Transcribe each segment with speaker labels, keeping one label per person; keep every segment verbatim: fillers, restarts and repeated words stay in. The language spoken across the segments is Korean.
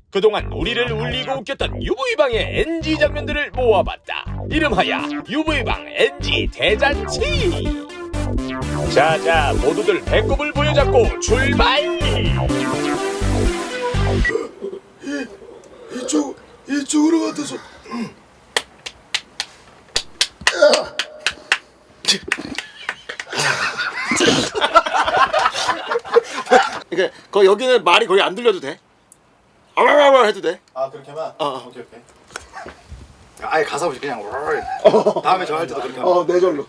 Speaker 1: 그동안 우리를 울리고 웃겼던 유브이방의 엔지 장면들을 모아봤다. 이름하여 유브이방 엔지 대잔치. 자자 모두들 배꼽을 보여잡고 출발.
Speaker 2: 이쪽 이쪽으로 같아서.
Speaker 3: 그러니까 거 여기는 말이 거의 안 들려도 돼. 아와와와 해도 돼.
Speaker 2: 아 그렇게만.
Speaker 3: 어, 어.
Speaker 2: 오케이 오케이. 아예 가사 없이 그냥. 다음에 저 할 때도 그렇게.
Speaker 3: 어, 내 절로.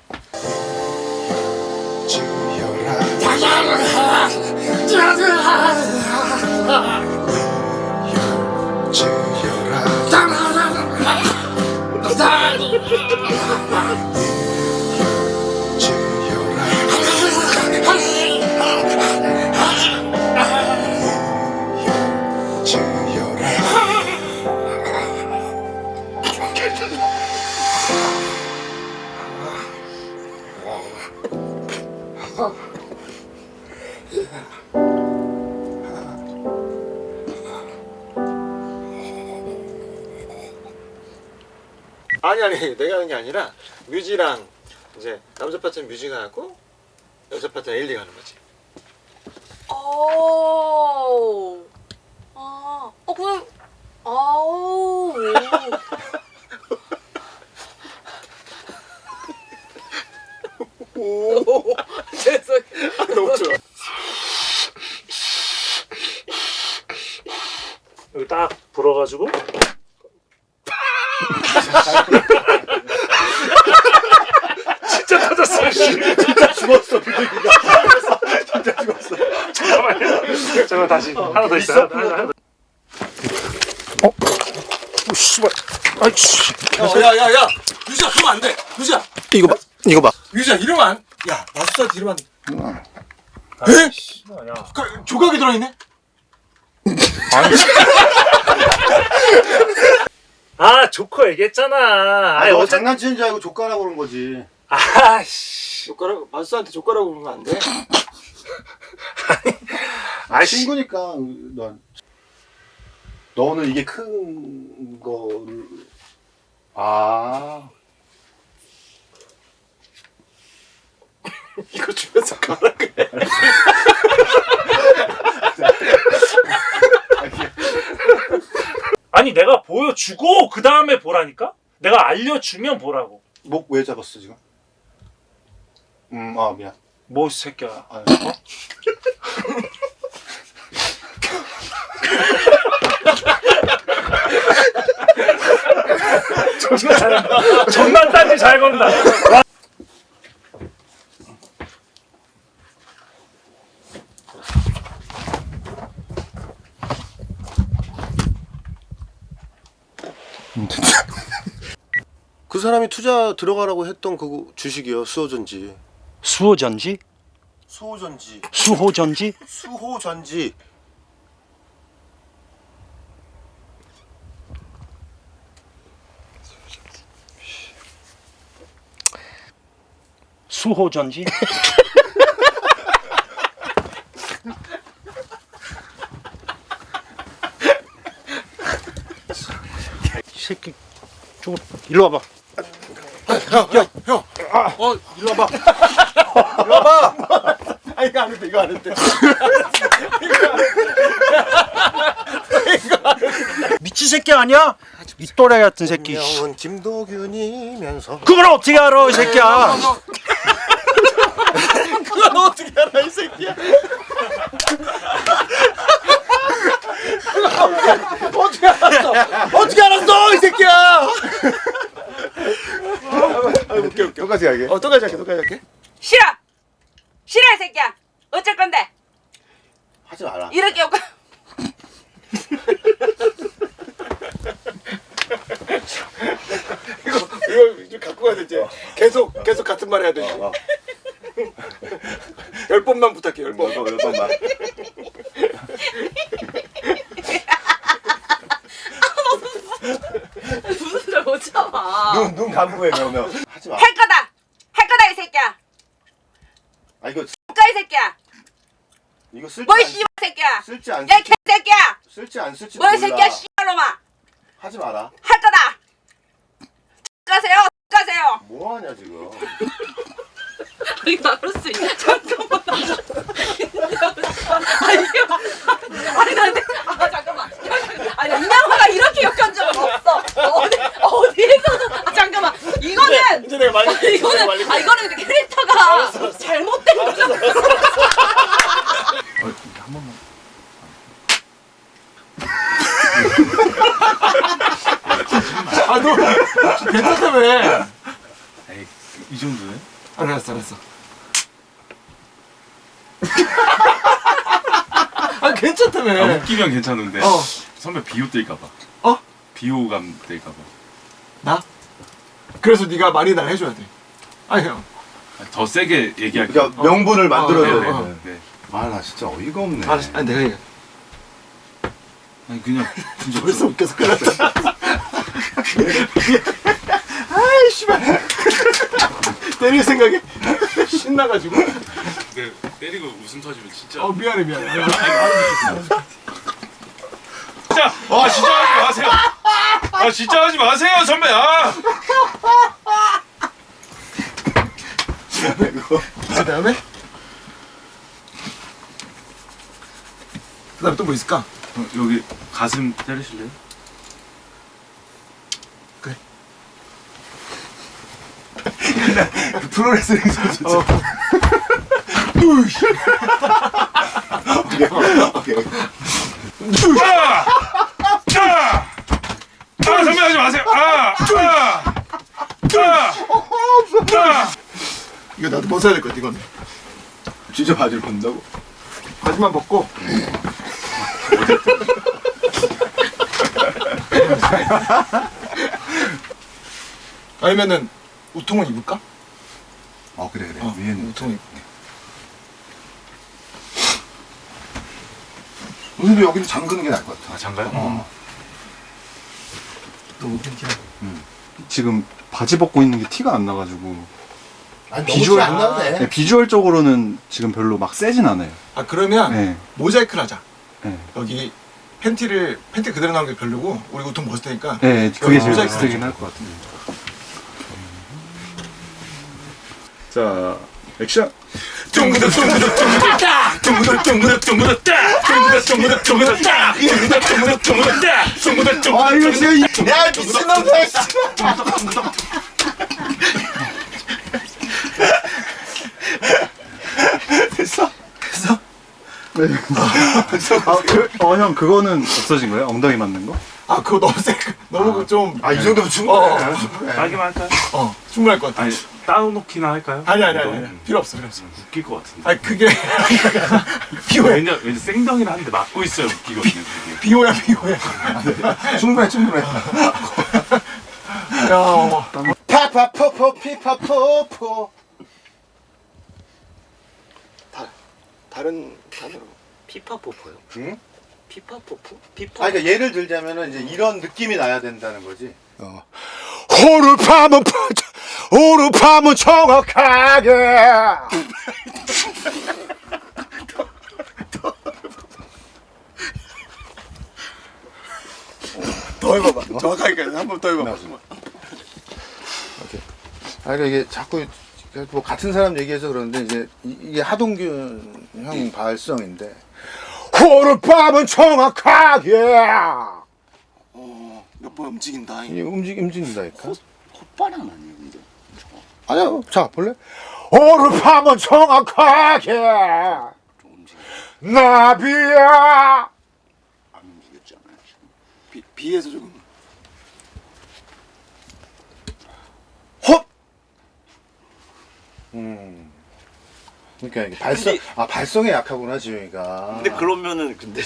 Speaker 3: 아니 아니 내가 하는 게 아니라 뮤지랑 이제 남자 파트는 뮤지가 하고 여자 파트는 에일리가 하는 거지.
Speaker 4: 오. 아. 어 그럼 아우. 오. 죄송해요.
Speaker 3: 아, 너무 좋아.
Speaker 5: 여기 딱 불어가지고 진짜 터졌어.
Speaker 3: 진짜 죽었어 비둘기가. 진짜 죽었어.
Speaker 5: 잠깐만요. 잠깐만 다시 하나 더 있어. 하나, 하나, 하나 더.
Speaker 3: 오 씨발. 아이씨. 야야야야. 뮤지야 그러면 안 돼. 뮤지야. 이거 봐. 이거 봐. 뮤지야 이러면 안. 야 마술사한테 이러면 안 돼. 에?
Speaker 5: 야.
Speaker 3: 그, 조각이 들어있네.
Speaker 5: 아 조커 얘기했잖아.
Speaker 2: 아니
Speaker 5: 아니
Speaker 2: 너
Speaker 5: 어제
Speaker 2: 장난치는 줄 알고 족가라고 그런 거지.
Speaker 5: 아씨.
Speaker 3: 젓가락 마술사한테 젓가락으로 그러면 안 돼.
Speaker 5: 아씨.
Speaker 2: 친구니까 넌. 너는 이게 큰 거를. 아.
Speaker 3: 이거 주면서 가라 그래.
Speaker 5: 아니 내가 보여주고 그 다음에 보라니까? 내가 알려주면 보라고.
Speaker 2: 목 왜 잡았어 지금? 음, 아 미안.
Speaker 5: 뭐 이 새끼야.
Speaker 2: 아, 어?
Speaker 5: 존나 잘한다. 존나 딴지 잘 건다. 와.
Speaker 3: 그 사람이 투자 들어가라고 했던 그 주식이요. 수호전지.
Speaker 6: 수호전지?
Speaker 3: 수호전지.
Speaker 6: 수호전지?
Speaker 3: 수호전지.
Speaker 6: 수호전지? 이 새끼 좀 일로 와봐.
Speaker 3: 야, 형. 어, 이리 와봐. 이리 와봐. 아, 이거 안 했대, 이거 안 했대.
Speaker 6: 미친 새끼 아니야? 이 또라이 같은 새끼.
Speaker 3: 명은 김도균이면서.
Speaker 6: 그걸 어떻게 알아, 이 새끼야?
Speaker 3: 그건 어떻게 알아, 이 새끼야? 어떻게 알았어? 어떻게 알았어, 이 새끼야? 아, 웃겨, 웃겨.
Speaker 2: 똑같이 하게.
Speaker 3: 어, 똑같이 할게, 똑같이 할게.
Speaker 4: 싫어. 싫어 이 새끼야. 어쩔 건데?
Speaker 2: 하지 마라.
Speaker 4: 이렇게 오고.
Speaker 3: 이거 이거 이제 갖고 가야 되지. 계속 계속 같은 말 해야 돼.
Speaker 2: 어, 어.
Speaker 3: 열 번만 부탁해, 열 번.
Speaker 2: 몇 번, 몇 번만.
Speaker 4: 무슨 소리 못 참아.
Speaker 2: 눈, 눈 감고 해 그러면. 하지 마.
Speaker 4: 할 거다. 할 거다 이 새끼야.
Speaker 2: 아 이거
Speaker 4: 가 이 새끼야.
Speaker 2: 이거 쓸지
Speaker 4: 뭘
Speaker 2: 않,
Speaker 4: 씨발 새끼야.
Speaker 2: 쓸지 않,
Speaker 4: 야 개새끼야.
Speaker 2: 쓸지 않. 안 쓸지
Speaker 4: 뭐야
Speaker 2: 몰라.
Speaker 4: 새끼야 씨발놈아.
Speaker 2: 하지 마라.
Speaker 4: 할 거다. 가세요. 가세요.
Speaker 2: 뭐 하냐 지금.
Speaker 4: 아니 나로스 잠깐만. 아니 아니 나한테 아 잠깐만. 아니 이명화가 이렇게 욕한 적은 없어. 어디 어디에서도 아, 잠깐만. 이거는
Speaker 3: 이제 내가 말릴게.
Speaker 4: 아, 이거는 아 이거는 근데 캐릭터가 잘못된 거잖아.
Speaker 2: 한 번만.
Speaker 3: 아너 괜찮다며.
Speaker 7: 에이, 이 정도네?
Speaker 3: 알았어 알았어. 아 괜찮다며.
Speaker 7: 아, 웃기면 괜찮은데
Speaker 3: 어.
Speaker 7: 선배 비호 뜰까봐.
Speaker 3: 어?
Speaker 7: 비호감 뜰까봐.
Speaker 3: 나? 그래서 네가 많이 날 해줘야 돼. 아니 형.
Speaker 7: 아, 더 세게 얘기할게.
Speaker 2: 그러니까 명분을 만들어야
Speaker 3: 어,
Speaker 2: 돼.
Speaker 3: 어, 어.
Speaker 7: 네.
Speaker 2: 아 나 진짜 어이가 없네.
Speaker 3: 알았어. 아니 내가 얘기해.
Speaker 7: 아니 그냥 진짜
Speaker 3: 벌써 웃겨서 끝났다. 아이 씨발. 때릴 생각에 신나가지고.
Speaker 7: 근데 때리고 웃음 터지면 진짜.
Speaker 3: 어 미안해 미안해.
Speaker 7: 진짜 아 진짜 하지 마세요. 아 진짜 하지 마세요 선배. 아.
Speaker 3: 그 다음에 그 다음에 또 뭐 있을까?
Speaker 7: 어, 여기 가슴 때리실래요?
Speaker 3: 그래.
Speaker 2: 그 프로레슬링 선수.
Speaker 3: 어.
Speaker 2: 오케이 오케이.
Speaker 7: 아! 아! 아 선배 하지 마세요. 아! 아! 아! 아!
Speaker 3: 이거 나도 벗어야 될 것 같아 이건.
Speaker 2: 진짜 바지를 본다고?
Speaker 3: 바지만 벗고. 아니면은 우통은 입을까?
Speaker 2: 어 그래 그래.
Speaker 3: 어,
Speaker 2: 위에는
Speaker 3: 우통은 입.
Speaker 2: 오늘도 여기는 잠그는 게 나을 것 같아.
Speaker 7: 아 장가요?
Speaker 2: 어.
Speaker 3: 또 괜찮아.
Speaker 6: 지금 바지 벗고 있는 게 티가 안 나가지고
Speaker 2: 아니
Speaker 6: 비주얼-
Speaker 2: 안 나도 돼.
Speaker 6: 네, 비주얼적으로는 지금 별로 막 세진 않아요.
Speaker 3: 아 그러면
Speaker 6: 네,
Speaker 3: 모자이크를 하자.
Speaker 6: 네,
Speaker 3: 여기 팬티를 팬티 그대로 나오는 게 별로고 우리 우통 벗을 테니까.
Speaker 6: 네, 그게 제일
Speaker 3: 모자이크
Speaker 6: 비슷하긴 할 것 같은데. 자, 액션.
Speaker 7: 쫑구덕 쫑구덕 쫑구덕 딱! 쫑구덕 쫑구덕 쫑구덕 딱! 쫑구덕 쫑구덕 쫑구덕 딱! 쫑구덕 쫑구덕 쫑구덕 딱! 쫑구덕 쫑구덕
Speaker 2: 아 이거 진짜 야 미친놈들. 됐어?
Speaker 3: 됐어?
Speaker 6: 아, 그, 어, 형, 그거는 없어진 거예요? 엉덩이 맞는 거?
Speaker 3: 아 그거 너무 세. 너무 좀.
Speaker 2: 아 이 정도면
Speaker 3: 어,
Speaker 2: 충분해.
Speaker 3: 어.
Speaker 2: 충분해.
Speaker 7: 따기만 할까요?
Speaker 3: 어 충분할 것 같아.
Speaker 7: 아니 따놓기나 할까요?
Speaker 3: 아니 아니 아니,
Speaker 7: 이거?
Speaker 3: 아니. 필요 없어 필요 없어.
Speaker 7: 웃길 것 같은데.
Speaker 3: 아니 그게 비호야
Speaker 7: 왜냐 왠지 생덩이를 하는데 맞고 있어야 웃기거든요. 그게.
Speaker 3: 비호야 비호야.
Speaker 2: 충분해 충분해.
Speaker 3: 야 어.
Speaker 2: 파파포포 피파포포. 다 다른 단어로.
Speaker 8: 피파포포요?
Speaker 2: 응?
Speaker 8: 피파포포? 피파.
Speaker 2: 아 그러니까 예를 들자면은 이제 이런 느낌이 나야 된다는 거지. 어. 호를 파면 호를 파면 정확하게.
Speaker 3: 더 해봐봐. 정확하게 한 번 더 해봐봐.
Speaker 2: 오케이. 아 그러니까 이게 자꾸 뭐 같은 사람 얘기해서 그러는데 이제 이- 이게 하동균 형 발성인데 호를 파면 정확하게.
Speaker 3: 어, 몇 번 움직인다.
Speaker 2: 이게 움직 움직인다니까.
Speaker 8: 콧바람 아니에요, 근데?
Speaker 2: 아니야. 자 볼래? 호를 파면 정확하게.
Speaker 8: 좀 움직여.
Speaker 2: 나비야.
Speaker 8: 안 움직였잖아요, 지금.
Speaker 3: 비 비에서 조금.
Speaker 2: 헛. 음. 그러니까 이게 발성 아 발성에 약하구나 지용이가.
Speaker 8: 근데 그러면은, 근데.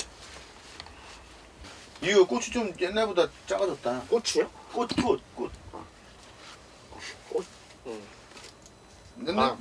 Speaker 2: 이거 꽃이 좀 옛날보다 작아졌다.
Speaker 8: 꽃이요? 꽃, 꽃, 꽃.
Speaker 2: 옛날. 아.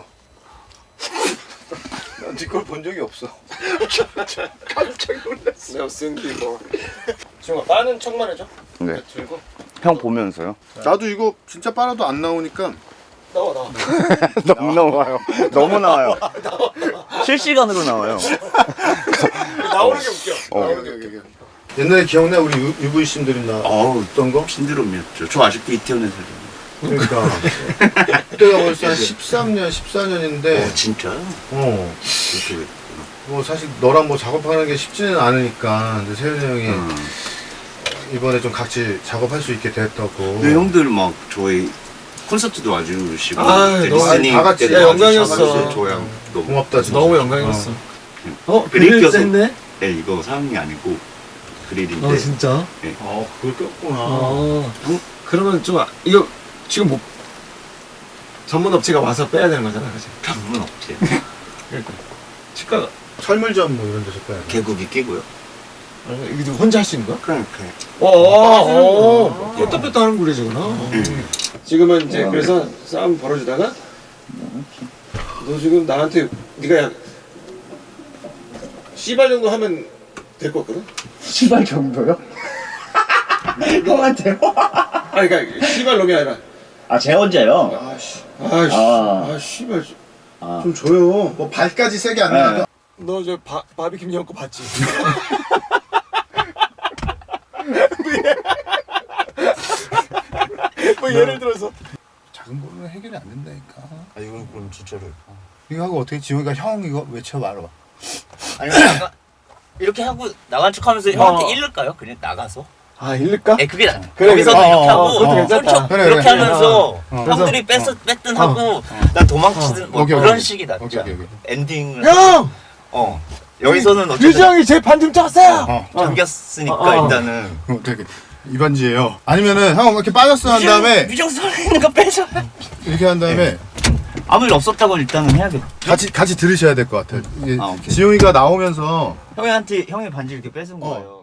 Speaker 2: 난네걸 본 적이 없어.
Speaker 8: 깜짝 놀랐어.
Speaker 3: 내가 쓴 기고. 지용아 빠는 척만 해줘.
Speaker 8: 네.
Speaker 3: 들고.
Speaker 8: 형 보면서요?
Speaker 2: 나도 이거 진짜 빨아도 안 나오니까.
Speaker 3: 나와 나와.
Speaker 8: 너무 나와요. 너무 나와요. 실시간으로 나와요.
Speaker 3: 나오는 게 웃겨.
Speaker 8: 어.
Speaker 3: 나오는 게 웃겨.
Speaker 2: 옛날에 기억나 우리 유- 유부이 신들이 나
Speaker 8: 어우,
Speaker 2: 어떤 거?
Speaker 8: 신드롬이었죠. 저 아직도 이태원에 살아요.
Speaker 2: 그러니까 그때가 벌써 한 십삼 년, 십사 년인데
Speaker 8: 어, 진짜요?
Speaker 2: 어.
Speaker 8: 그렇게
Speaker 2: 뭐 사실 너랑 뭐 작업하는 게 쉽지는 않으니까 근데 세현이 형이
Speaker 8: 음.
Speaker 2: 이번에 좀 같이 작업할 수 있게 됐다고.
Speaker 8: 근데 형들 막 저희 콘서트도 와주시고
Speaker 3: 아,
Speaker 8: 이제
Speaker 3: 너무
Speaker 8: 리스닝
Speaker 2: 다 같이
Speaker 8: 때도
Speaker 3: 야, 영광이었어.
Speaker 8: 와주셔가지고 저랑 너무
Speaker 2: 고맙다 진짜.
Speaker 3: 너무 영광이었어. 어,
Speaker 8: 그릴
Speaker 3: 그릴
Speaker 8: 껴서-
Speaker 3: 했네?
Speaker 8: 네, 이거 사랑이 아니고 그릴인데
Speaker 3: 어, 진짜?
Speaker 2: 아 그걸 꼈구나.
Speaker 3: 어. 그러면 좀, 아- 이거 지금 뭐, 전문 업체가 와서 빼야 되는 거잖아, 그치?
Speaker 8: 전문 업체
Speaker 3: 그러니까. 치과가,
Speaker 2: 철물점 뭐 이런 데서 빼야 돼.
Speaker 8: 개국이 끼고요.
Speaker 3: 아, 이거 혼자 할 수 있는 거야?
Speaker 8: 그러니까
Speaker 3: 어, 어, 어. 뺐다 뺐다 하는 굴이지구나.
Speaker 8: 음.
Speaker 3: 지금은 이제 그래서 싸움 벌어지다가 너 지금 나한테 네가 약 씨발 정도 하면 될 것 같거든?
Speaker 8: 시발 정도요? 형한테요?
Speaker 3: 아니 그러니까 씨발 놈이 아니라
Speaker 8: 아, 제 혼자요?
Speaker 3: 아씨 아씨
Speaker 8: 아.
Speaker 3: 아 씨발
Speaker 2: 좀 줘요. 뭐 발까지 세게 안 나가.
Speaker 3: 너 저 바비킴 형 거 봤지? 뭐 예를 들어서
Speaker 2: 작은 걸로는 해결이 안 된다니까.
Speaker 8: 아, 이건 그럼 진짜로.
Speaker 2: 이거 하고 어떻게 지호이가 형 이거 외쳐 말아.
Speaker 9: 아니 나가 이렇게 하고 나간 척하면서 형한테 잃을까요? 그냥 나가서?
Speaker 3: 아 잃을까?
Speaker 9: 에 그게 나-
Speaker 3: 그래,
Speaker 9: 여기서는
Speaker 3: 그래.
Speaker 9: 이렇게
Speaker 3: 어,
Speaker 9: 하고
Speaker 3: 어, 그것도 괜찮다.
Speaker 9: 형
Speaker 2: 그래,
Speaker 9: 그렇게
Speaker 2: 그래.
Speaker 9: 하면서
Speaker 2: 어, 어.
Speaker 9: 형들이 뺐 뺐든 하고 난 도망치든 뭐
Speaker 2: 오케이,
Speaker 9: 그런
Speaker 2: 오케이.
Speaker 9: 식이 낫지
Speaker 2: 오케이,
Speaker 9: 않아?
Speaker 2: 오케이, 오케이.
Speaker 9: 엔딩을
Speaker 3: 형!
Speaker 9: 어 여기서는 어쨌든
Speaker 3: 유정이 제 반등 쪘어요!
Speaker 2: 어.
Speaker 9: 잠겼으니까
Speaker 3: 어, 어.
Speaker 9: 일단은
Speaker 2: 어, 되게 이반지예요. 아니면은 형 이렇게 빠졌어 한 다음에
Speaker 9: 유정수 있는 거 빼자.
Speaker 2: 이렇게 한 다음에
Speaker 9: 아무 일 없었다고 일단은 해야겠다.
Speaker 2: 같이 같이 들으셔야 될 것 같아요. 이게
Speaker 9: 아, 오케이.
Speaker 2: 지용이가 나오면서
Speaker 9: 형한테 형의 반지 이렇게 뺏은
Speaker 2: 어.
Speaker 9: 거예요.